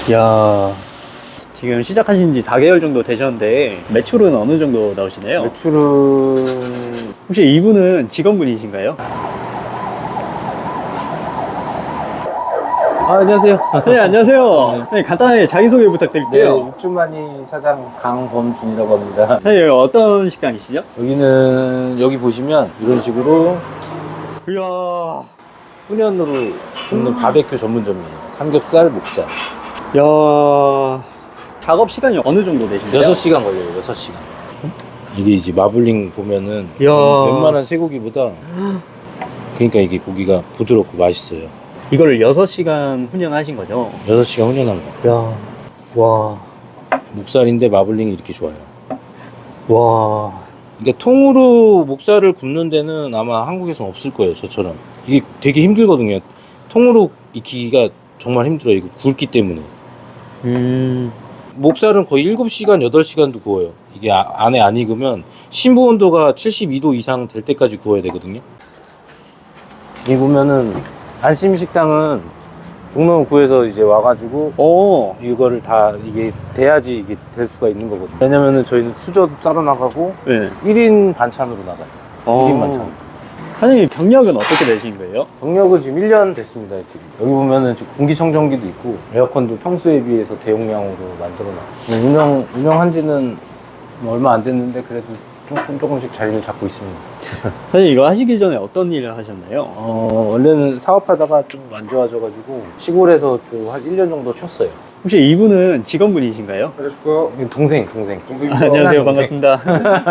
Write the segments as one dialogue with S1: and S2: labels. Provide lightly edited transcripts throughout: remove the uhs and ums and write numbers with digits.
S1: 야, 지금 시작하신 지 4개월 정도 되셨는데 매출은 어느 정도 나오시나요?
S2: 매출은
S1: 혹시 이분은 직원분이신가요?
S2: 안녕하세요.
S1: 네, 안녕하세요. 네, 간단하게 자기소개 부탁드릴게요.
S2: 네, 육주만이 사장 강범준이라고 합니다.
S1: 네, 여기 어떤 식당이시죠?
S2: 여기 보시면 이런 식으로
S1: 이야,
S2: 훈연으로 굽는 바베큐 전문점이에요. 삼겹살, 목살.
S1: 야, 작업 시간이 어느 정도 되신가요?
S2: 6시간 걸려요. 6시간. 이게 이제 마블링 보면은
S1: 이야.
S2: 웬만한 쇠고기보다 그러니까 이게 고기가 부드럽고 맛있어요.
S1: 이거를 6시간 훈련하신 거죠?
S2: 6시간 훈연한 거.
S1: 야, 와,
S2: 목살인데 마블링이 이렇게 좋아요.
S1: 와.
S2: 그러니까 통으로 목살을 굽는 데는 아마 한국에서는 없을 거예요. 저처럼. 이게 되게 힘들거든요. 통으로 익히기가 정말 힘들어요. 이거 굵기 때문에. 목살은 거의 7시간, 8시간도 구워요. 이게 안에 안 익으면 심부 온도가 72도 이상 될 때까지 구워야 되거든요. 여기 보면은 안심식당은 종로구에서 이제 와가지고 이거를 다 이게 돼야지 이게 될 수가 있는 거거든요. 왜냐면은 저희는 수저도 따로 나가고
S1: 네.
S2: 1인 반찬으로 나가요. 1인 반찬.
S1: 사장님 경력은 어떻게 되신 거예요?
S2: 경력은 지금 1년 됐습니다. 지금 여기 보면은 지금 공기청정기도 있고 에어컨도 평소에 비해서 대용량으로 만들어놔요. 운영한 지는 얼마 안 됐는데 그래도 조금씩 자리를 잡고 있습니다.
S1: 사장님 이거 하시기 전에 어떤 일을 하셨나요?
S2: 원래는 사업하다가 좀 안 좋아져가지고 시골에서 또 한 1년 정도 쉬었어요.
S1: 혹시 이분은 직원분이신가요?
S2: 그래서 동생.
S1: 안녕하세요, 반갑습니다.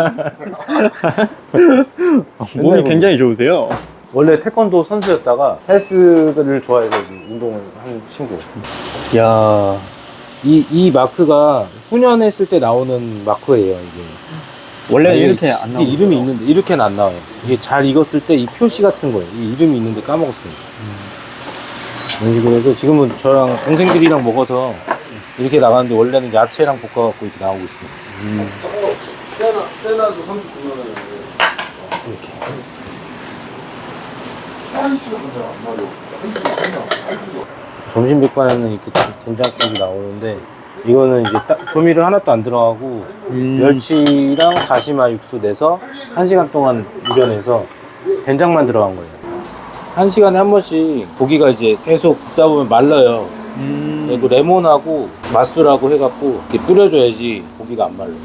S1: 몸이 굉장히 좋으세요.
S2: 원래 태권도 선수였다가 헬스를 좋아해서 운동을 하는 친구.
S1: 야,
S2: 이 마크가 훈련했을 때 나오는 마크예요. 이게
S1: 원래
S2: 이게
S1: 이렇게 안 나오죠?
S2: 이름이 있는데 이렇게는 안 나와요. 이게 잘 익었을 때 이 표시 같은 거예요. 이 이름이 있는데 까먹었어요. 이런 식으로 해서 지금은 저랑 동생들이랑 먹어서 이렇게 나가는데 원래는 야채랑 볶아갖고 이렇게 나오고 있습니다. 세나도 39만 원이에요. 이렇게. 점심 백반에는 이렇게 된장국이 나오는데 이거는 이제 조미료 하나도 안 들어가고 멸치랑 다시마 육수 내서 1시간 동안 우려내서 된장만 들어간 거예요. 1시간에 한 번씩 고기가 이제 계속 굽다 보면 말라요. 그리고 레몬하고 맛술하고 해갖고 이렇게 뿌려줘야지 고기가 안 말라요.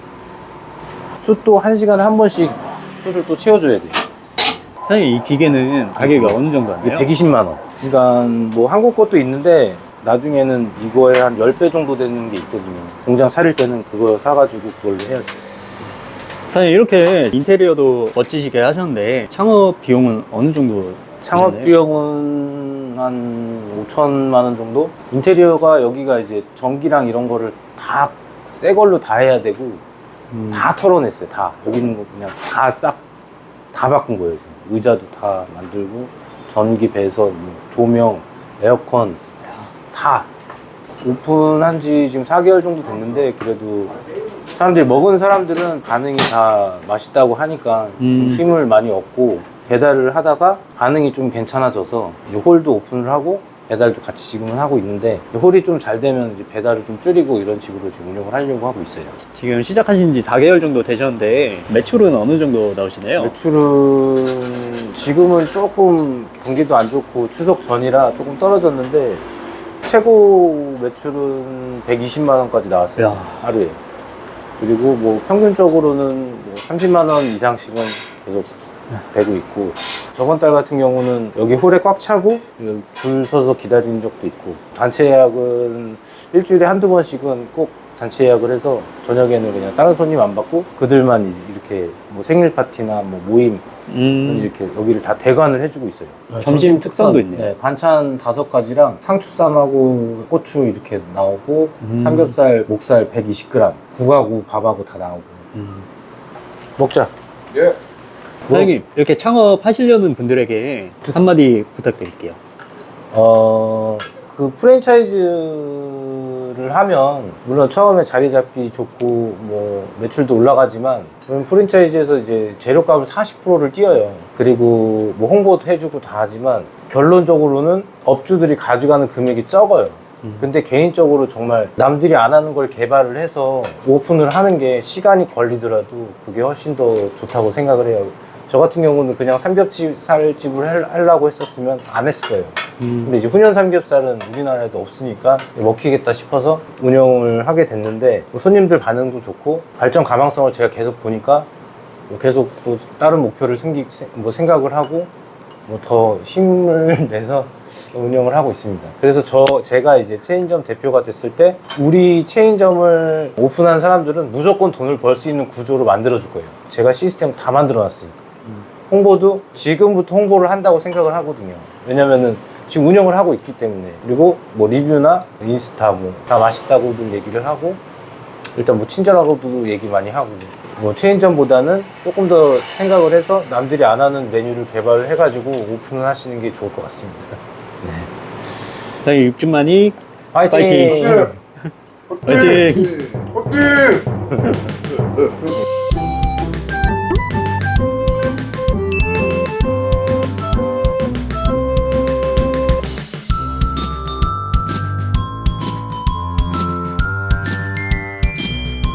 S2: 숯도 1시간에 한 번씩 숯을 또 채워줘야 돼요.
S1: 사장님 이 기계는 가격이 어느 정도
S2: 이게
S1: 하나요?
S2: 120만 원. 그러니까 뭐 한국 것도 있는데 나중에는 이거에 한 10배 정도 되는 게 있거든요. 공장 차릴 때는 그거 사가지고 그걸로 해야죠.
S1: 사장님 이렇게 인테리어도 멋지시게 하셨는데 창업 비용은 어느 정도
S2: 창업
S1: 드셨나요?
S2: 비용은 한 5천만 원 정도? 인테리어가 여기가 이제 전기랑 이런 거를 다 새 걸로 다 해야 되고 다 털어냈어요. 다. 여기 있는 거 그냥 다 싹 다 바꾼 거예요. 지금. 의자도 다 만들고 전기 배선, 조명, 에어컨 다 오픈한 지 지금 4개월 정도 됐는데 그래도 사람들이 먹은 사람들은 반응이 다 맛있다고 하니까 좀 힘을 많이 얻고 배달을 하다가 반응이 좀 괜찮아져서 이제 홀도 오픈을 하고 배달도 같이 지금은 하고 있는데 홀이 좀 잘 되면 이제 배달을 좀 줄이고 이런 식으로 지금 운영을 하려고 하고 있어요.
S1: 지금 시작하신 지 4개월 정도 되셨는데 매출은 어느 정도 나오시나요?
S2: 매출은 지금은 조금 경기도 안 좋고 추석 전이라 조금 떨어졌는데 최고 매출은 120만 원까지 나왔어요.
S1: 야.
S2: 하루에. 그리고 뭐 평균적으로는 뭐 30만 원 이상씩은 계속 되고 있고 저번 달 같은 경우는 여기 홀에 꽉 차고 줄 서서 기다리는 적도 있고 단체 예약은 일주일에 한두 번씩은 꼭 단체 예약을 해서 저녁에는 그냥 다른 손님 안 받고 그들만 이렇게 뭐 생일 파티나 뭐 모임 이렇게 여기를 다 대관을 해주고 있어요.
S1: 점심 특선도 있네요.
S2: 네, 반찬 5가지랑 상추쌈하고 고추 이렇게 나오고 삼겹살, 목살 120g, 국하고 밥하고 다 나오고. 먹자.
S3: 예.
S1: 사장님 이렇게 창업하시려는 분들에게 한마디 부탁드릴게요.
S2: 그 프랜차이즈를 하면 물론 처음에 자리 잡기 좋고 뭐 매출도 올라가지만 그럼 프랜차이즈에서 이제 재료값을 40%를 띄어요. 그리고 뭐 홍보도 해주고 다 하지만 결론적으로는 업주들이 가져가는 금액이 적어요. 근데 개인적으로 정말 남들이 안 하는 걸 개발을 해서 오픈을 하는 게 시간이 걸리더라도 그게 훨씬 더 좋다고 생각을 해요. 저 같은 경우는 그냥 삼겹살집을 하려고 했었으면 안 했을 거예요. 근데 이제 훈연 삼겹살은 우리나라에도 없으니까 먹히겠다 싶어서 운영을 하게 됐는데 손님들 반응도 좋고 발전 가망성을 제가 계속 보니까 계속 또 다른 목표를 생각을 하고 더 힘을 내서 운영을 하고 있습니다. 그래서 제가 이제 체인점 대표가 됐을 때 우리 체인점을 오픈한 사람들은 무조건 돈을 벌 수 있는 구조로 만들어 줄 거예요. 제가 시스템 다 만들어 놨으니까. 홍보도 지금부터 홍보를 한다고 생각을 하거든요. 왜냐면은 지금 운영을 하고 있기 때문에. 그리고 뭐 리뷰나 인스타 다 맛있다고도 얘기를 하고 일단 뭐 친절하고도 얘기 많이 하고 뭐 체인점보다는 조금 더 생각을 해서 남들이 안 하는 메뉴를 개발을 해가지고 오픈을 하시는 게 좋을 것 같습니다. 네.
S1: 사장님 육즙만이
S2: 파이팅!
S1: 파이팅!
S3: 화이팅! 화이팅!